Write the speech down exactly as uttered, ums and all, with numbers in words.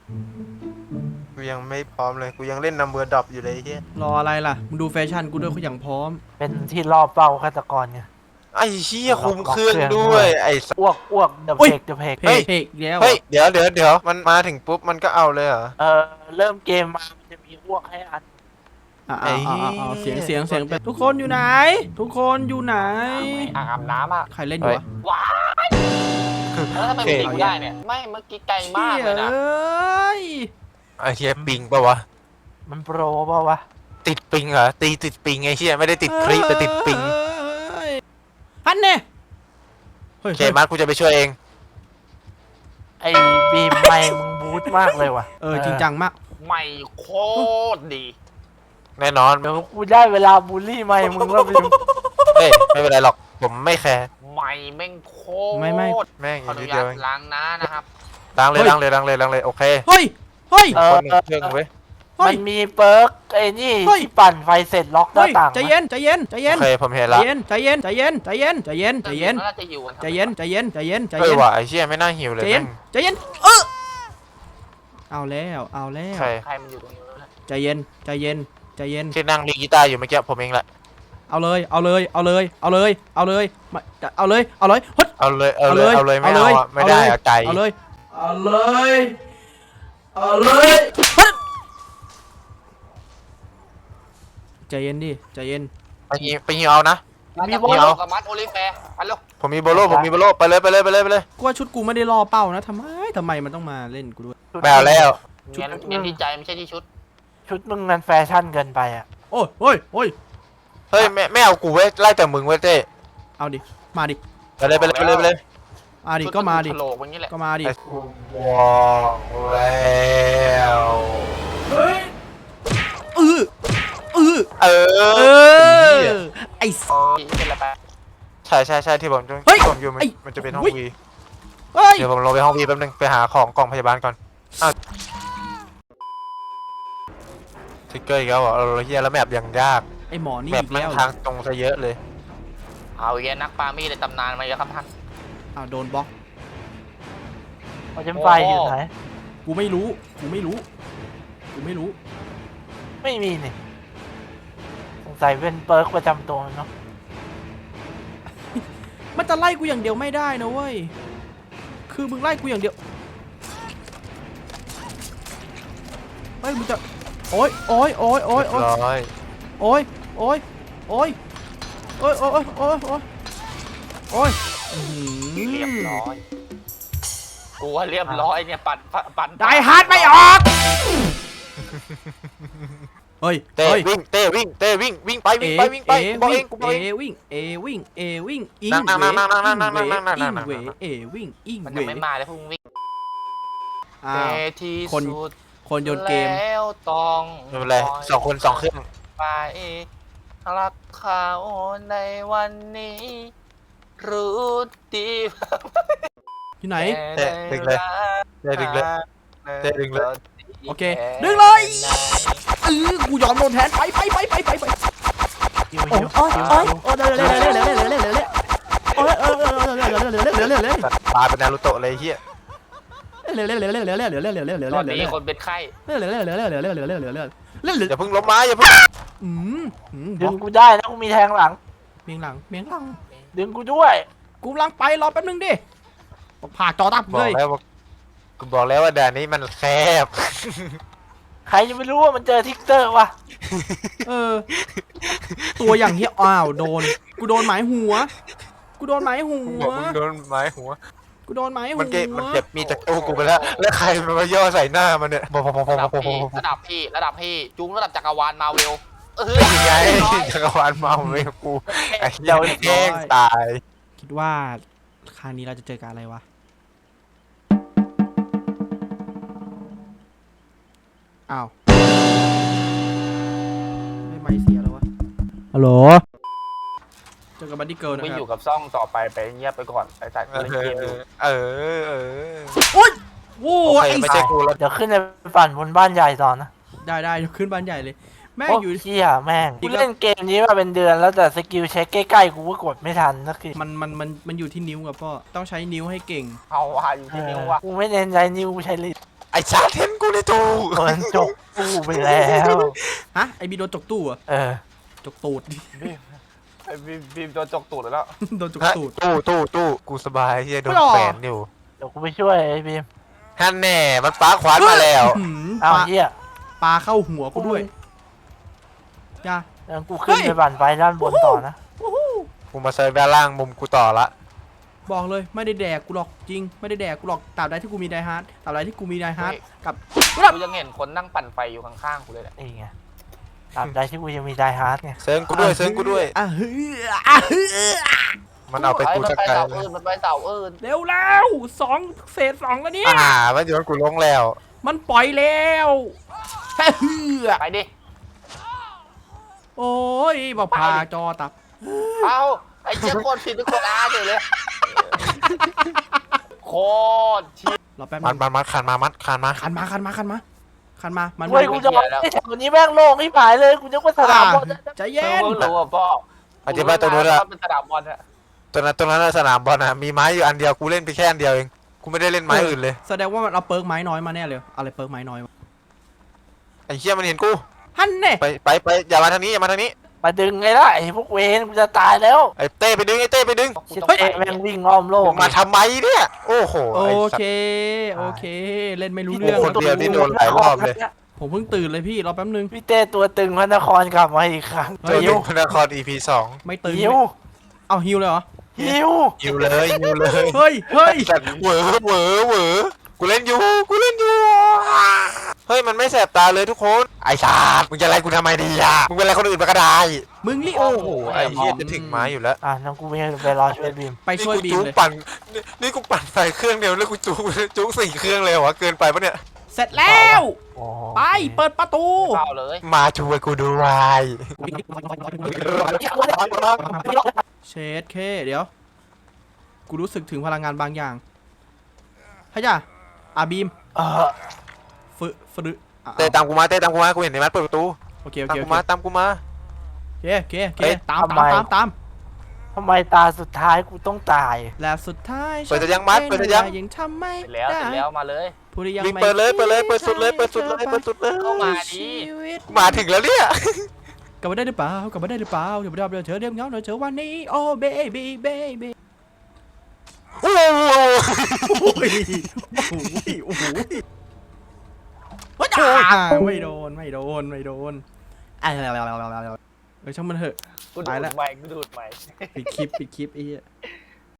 กูยังไม่พร้อมเลยกูยังเล่นนัมเบอร์ดรอปอยู่เลยเฮียรออะไรล่ะมึงดูแฟชั่นกูด้วยเขาอย่างพร้อมเป็นที่รอบเป้าฆาตกรไงไอ้เฮียคุมเครื่องด้วยไอ้สัสอ้วกอ้วกเดอะเพกเดอะเพกเพกเพกแล้วเฮ้ยเดี๋ยวเดี๋ยวเดี๋ยวมันมาถึงปุ๊บมันก็เอาเลยเหรอเออเริ่มเกมมามันจะมีอ้วกให้อันอ่าอ่าอ่าเสียงเสียงเสียงเป็นทุกคนอยู่ไหน ทุกคนอยู่ไหนอ่างอาบน้ำอ่ะใครเล่นอยู่วะว้ายแล้วทำไมมันตีกูได้เนี่ยไม่เมื่อกี้ไกลมากเลยนะไอ้เฮียปิงปะวะมันโปรเปล่าวะติดปิงเหรอตีติดปิงไอ้เฮียไม่ได้ติดคลิปแต่ติดปิงฮันเน่เคมาร์กูจะไปช่วยเองไอ้บีมไม่มึงบูทมากเลยว่ะเออจริงจังมากไม่โคตรดีแน่นอนเดี๋ยวกูได้เวลาบูลลี่ไม่มึงแล้วบีมเฮ้ยไม่เป็นไรหรอกผมไม่แคร์ไม่แม่งโคตรไม่ไม่แม่งขออนุเดียวญาตล้างน้านะครับล้างเลยล้างเลยล้างเลยล้างเลยโอเคเฮ้ยเฮ้ยเออเครื่องเว้ยมันมีเปิร์กไอ้นี่ที่ปั่นไฟเสร็จล็อกหน้าต่างใจเย็นใจเย็นใจเย็นโอเคผมเห็นละใจเย็นใจเย็นใจเย็นใจเย็นใจเย็นใจเย็นใจเย็นใจเย็นใจเย็นใจเออเย็นว่ะไอ้เชี่ยไม่น่าหิวเลยใจเย็นใจเย็นเออเอาแล้วเอาแล้วใครมันอยู่ตรงนี้ใจเย็นใจเย็นใจเย็นที่นั่งลีกีตาร์อยู่เมื่อกี้ผมเองแหละเอาเลยเอาเลยเอาเลยเอาเลยเอาเลยเอาเลยเอาเลยฮึดเอาเลยเอาเลยเอาเลยไม่เอาไม่ได้อะไก่เอาเลยเอาเลยเอาเลยฮึดใจเย็นดิใจเย็นไปยิงไปยิงเอานะมีโบโลกับมัดโอลิแฟร์ไปเร็วผมมีโบโลผมมีโบโลไปเลยไปเลยไปเลยไปเลยกูว่าชุดกูไม่ได้ล่อเป้านะทำไมทำไมมันต้องมาเล่นกูด้วยแปลแล้วชุดเน้นที่ใจไม่ใช่ที่ชุดชุดมึงมันแฟชั่นเกินไปอ่ะโอ้ยโอ้ยโอ้ยเฮ้ยไม่ไม่เอากูเว้ยไล่แต่มึงเว้ยเต้เอาดิมาดิไปเลยไปเลยไปเลยไปเลยมาดิก็มาดิก็มาดิว้าวแล้วเฮ้ยเออเออเออไอ้เป็นอะไรไปใช่ใช่ใช่ที่ผมจะผมอยู่มันจะเป็นห้องวีเดี๋ยวผมลงไปห้องวีแป๊บนึงไปหาของกล่องพยาบาลก่อนอ้าวทิกเกอร์อีกแล้วเหรอเราเฮียแล้วแมปยังยากไอ้หมอนี่แมปมันทางตรงซะเยอะเลยเอาแย่นักปามีในตำนานมาเยอะครับท่านอ้าวโดนบล็อกเอาจำไฟอยู่ไหนกูไม่รู้กูไม่รู้กูไม่รู้ไม่มีนี่สงสัยเป็นเปิร์กประจำตัวเนาะมันจะไล่กูอย่างเดียวไม่ได้นะเว้ยคือมึงไล่กูอย่างเดียวเฮ้ยมึงจะโอ้ยโอ้ยโอ้ยโอ้ยโอ้ยโอ้ยโอ้ยโอ้ยโอ้ยโอ้ยโอ้ยโอ้ยโอ้ยเรียบร้อยกูว่าเรียบร้อยเนี่ยปั่นปั่นได้ฮาร์ดไม่ออกเฮ้ยเต้วิ่งเต้วิ่งเต้วิ่งวิ่งไปวิ่งไปวิ่งไปบอกเองกูบอกเองวิ่งเอวิ่งเอวิ่งอิงเวอิงเวอิงเวเอวิ่งอิงเวมันยังไม่มาเลยพวกมึงวิ่งแต่ที่คนคนโยนเกมแล้วต้องไม่เป็นไรสองคนสองเครื่องไปรักเขาในวันนี้รู้ดีที่ไหนเต้ดึงเลยเต้ดึงเลยเต้ดึงเลยโอเคดึงเลยเออกูยอมโดนแทนไปไปไปไปไปไปโอ้ยโอ้ยโอ้ยโอ้ยเร็วเร็วเร็วเร็วเร็วเร็วเร็วเร็วเร็วโอ้ยเออเร็วเร็วเร็วเร็วเร็วเร็วเร็วเร็วเร็วเร็วตาเป็นนารูโตะเลยเฮียเร็วเร็วเร็วเร็วเร็วเร็วเร็วเร็วเร็วเร็วเร็วเร็วตอนนี้คนเป็นไข้เร็วเร็วเร็วเร็วเร็วเร็วเร็วเร็วเร็วเร็วเร็วเร็วอย่าเพิ่งล้มไม้อย่าเพิ่งอืมดึงกูได้นะกูมีแทงหลังเมียงหลังเมียงหลังดึงกูด้วยกูกำลังไปรอแป๊บนึงดิผ่าจอตับเลยกูบอกแล้วว่าด่านนี้มันแคบใครจะไม่รู้ว่ามันเจอทิกเตอร์วะเออตัวอย่างเฮียอ้าวโดนกูโดนหมายหัวกูโดนหมายหัวโดนหมายหัวกูโดนหมายหัวมันเก็บมันเก็บมีจากตู้กูไปแล้วแล้วใครมาย่อใส่หน้ามันเนี่ยพอพอพอพอพอระดับพี่ระดับพี่จุ้งระดับจักรวาลมาเวลเออยังไงจักรวาลมาเวลกูไอ้เจ้าแย่งตายคิดว่าครั้งนี้เราจะเจอกันอะไรวะอ้าวไม่ไม่เสียแล้ววะฮัลโหลเจอกับบัดดี้เกิร์ลนะครับไม่อยู่กับซ่องต่อไปไปเงียบไปก่อนไอ้สายเล่นเกมอยู่เออเออโอ้ยโว้ยไม่ใช่กูแล้วเดี๋ยวขึ้นไปปั่นบนบ้านใหญ่ต่อนะได้ได้เดี๋ยวขึ้นบ้านใหญ่เลยแม่อยู่ที่อ่ะแม่งกูเล่นเกมนี้มาเป็นเดือนแล้วแต่สกิลเช็คใกล้ๆกูก็กดไม่ทันสักทีมันมันมันมันอยู่ที่นิ้วกับพ่อต้องใช้นิ้วให้เก่งเอาว่ะอยู่ที่นิ้วว่ะกูไม่เน้นใช้นิ้วกูใช้ลิ้นไอ้ชาเทนกูเลยตูมันจกตู้ไปแล้วฮะไอบีโดนจกตู้เหรอะเออจกตูดบีมไอ้บีมบีมโดนจกตูดแล้วโดนจกฮะตูดตู้ตู้ตู้กูสบายที่จะโดนไม่หรอแฝนอยู่เดี๋ยวกูไปช่วยไอ้บีมฮันแน่มันป้าขวานมาแล้วหืมอ้าปวลาเหี้ยปลาเข้าหัวกูด้วยจ้างั้นกูขึ้นเฮ้ยไปบั่นไฟด้านบนต่อนะกูมาเซิร์ฟด้านล่างมุมกูต่อละบอกเลยไม่ได้แดกกูหรอกจริงไม่ได้แดกกูหรอกตราบใดที่กูมีไดฮาร์ดตราบใดที่กูมีไดฮาร์ดกับกูยังเห็นคนนั่งปั่นไฟอยู่ข้างๆกูเลยแหละนี่ไงตราบใดที่กูยังมีไดฮาร์ดไงเซิร์ฟกูด้วยเซิร์ฟกูด้วยอ่ะเฮ้ยอ่ะเฮ้ยมันเอาไปกูมันสักไปไกลเสาอื่นมันไปเสาอื่นเร็วแล้วสองเศษสองแล้วเนี่ยอ่ามันโยนกูลงแล้วมันปล่อยแล้วแค่เฮือไปดิโอ้ยบอกพาจอตับเอาไอ้เจ้าโคตรผิดเป็นคนอาร์เลยเลยโคตรชิบรอแป๊บมันึนงมันมัดคันมามัดคันมาคันมาคันมาคันมาคันมามันเฮ้ยกูจะบอกไอ้แถวนี้แม่งโล่งที่ผายเลยกูจะว่าสนามบอลใจเอเย็นอรู้ว่าพ่ออธิบายตัวนู้นละเป็นสนามบอลอะตัวนั้นตัวนั้นนะสนามบอลนะมีไม้อยู่อันเดียวกูเล่นไปแค่อันเดียวเองกูไม่ได้เล่นไม้อื่นเลยแสดงว่ามันเอาเปิร์กไม้น้อยมาแน่เลยอะไรเปิร์กไม้น้อยวะไอ้เหี้ยมันเห็นกูฮันเน่ไปไปไปอย่ามาทางนี้อย่ามาทางนี้มาดึงไงล่ะไอ้พวกเวนกูจะตายแล้วไอ้เต้ไปดึงไอ้เต้ไปดึงชิเต้แม่งวิ่งอ้อมโลกมาทำไมเนี่ยโอ้โหโอไอ้สัตเคว์โอเค เล่นไม่รู้โอ้เรื่องโหคนเดียวนี่โดนหลายรอบเลยผมเพิ่งตื่นเลยพี่รอแป๊บนึงพี่เต้ตัวตึงพระนครกลับมาอีกครั้งเจอหิยุวพนคร อี พี สองไม่ตื่นหิวเอาฮิวเลยเหรอหิวยิวเลยยิวเลยเฮ้ยเฮ้ยแต่เหวอเหวอเหวอกูเล่นอยู่กูเล่นอยู่เฮ้ยมันไม่แสบตาเลยทุกคนไอ้ชาดมึงจะอะไรกูทำไมดีอ่ะมึงเป็นอะไรคนอื่นมาก็ได้มึงรีบโอ้โหไอ้เหี้ยจะถึงไม้อยู่แล้วอ่ะน้องกูไปไปรอช่วยบีมไปช่วยนี่บีกูมจุกเลยปั่นนี่นี่กูปั่นใส่เครื่องเดียวแล้วกูจุกจุกสี่เครื่องเลยเหรอวะเกินไปปะเนี่ยเสร็จแล้วโอ้โหไปเปิดประตูเปล่าเลยมาช่วยกูด้วยเชดเคเดี๋ยว กูรู้สึกถึงพลังงานบางอย่างฮะจ้ะอาบีมเออฝึฝึอ่ะเต้ตามกูมาเต้ตามกูมากูเห็นในมัดเปิดประตูโอเคโอตามเคโอกูเคมาตามกูมาโอเคโอเคโอเคเอ้ยตามตามตามตามทำไมตาสุดท้ายกูต้องตายและสุดท้ายเปิดจะยังมัดเปิดจะยังยังทำไม่เสร็จแล้วได้เสร็จแล้วมาเลยผู้ที่ยังวิ่งไม่เปิดเลยเปิดเลยเปิดสุดเลยเปิดสุดเลยเปิดสุดเลยเข้ามาดิชีวิตมาถึงแล้วเนี่ยกลับมาได้หรือเปล่ากลับมาได้หรือเปล่าเดี๋ยวเดี๋ยวเดี๋ยวเธอเรียบเงาเดี๋ยวเธอวันนี้โอ้เบบี้เบบี้โอ้โหโอ้ยโอ้โหโอ้โหว้าไม่โดนไม่โดนไม่โดนอะไรอะไรอะไรอะไรเออช่างมันเถอะกูไปดูละดใหม่กูดูดใหม่ปิดคลิปปิดคลิปไอ้เหี้ย